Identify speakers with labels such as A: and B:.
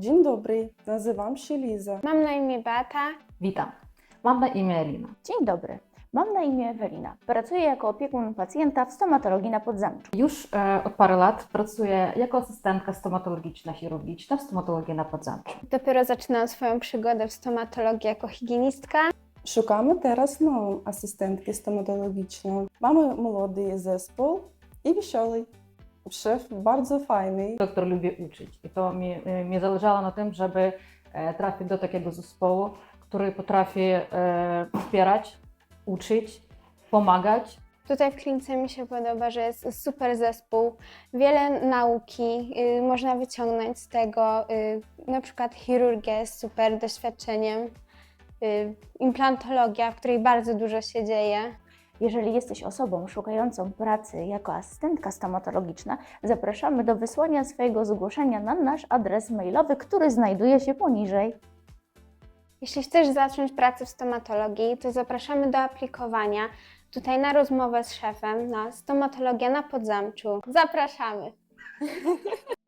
A: Dzień dobry, nazywam się Liza.
B: Mam na imię Beata.
C: Witam, mam na imię Elina.
D: Dzień dobry, mam na imię Ewelina. Pracuję jako opiekun pacjenta w stomatologii na Podzamczu.
C: Już od paru lat pracuję jako asystentka stomatologiczna, chirurgiczna w stomatologii na Podzamczu.
B: Dopiero zaczynam swoją przygodę w stomatologii jako higienistka.
A: Szukamy teraz nową asystentki stomatologiczną. Mamy młody zespół i wesoły. Szef bardzo fajny.
C: Doktor lubi uczyć i to mi zależało na tym, żeby trafić do takiego zespołu, który potrafi wspierać, uczyć, pomagać.
B: Tutaj w klinice mi się podoba, że jest super zespół, wiele nauki można wyciągnąć z tego. Na przykład chirurgia z super doświadczeniem, implantologia, w której bardzo dużo się dzieje.
D: Jeżeli jesteś osobą szukającą pracy jako asystentka stomatologiczna, zapraszamy do wysłania swojego zgłoszenia na nasz adres mailowy, który znajduje się poniżej.
B: Jeśli chcesz zacząć pracę w stomatologii, to zapraszamy do aplikowania tutaj na rozmowę z szefem na stomatologię na Podzamczu. Zapraszamy!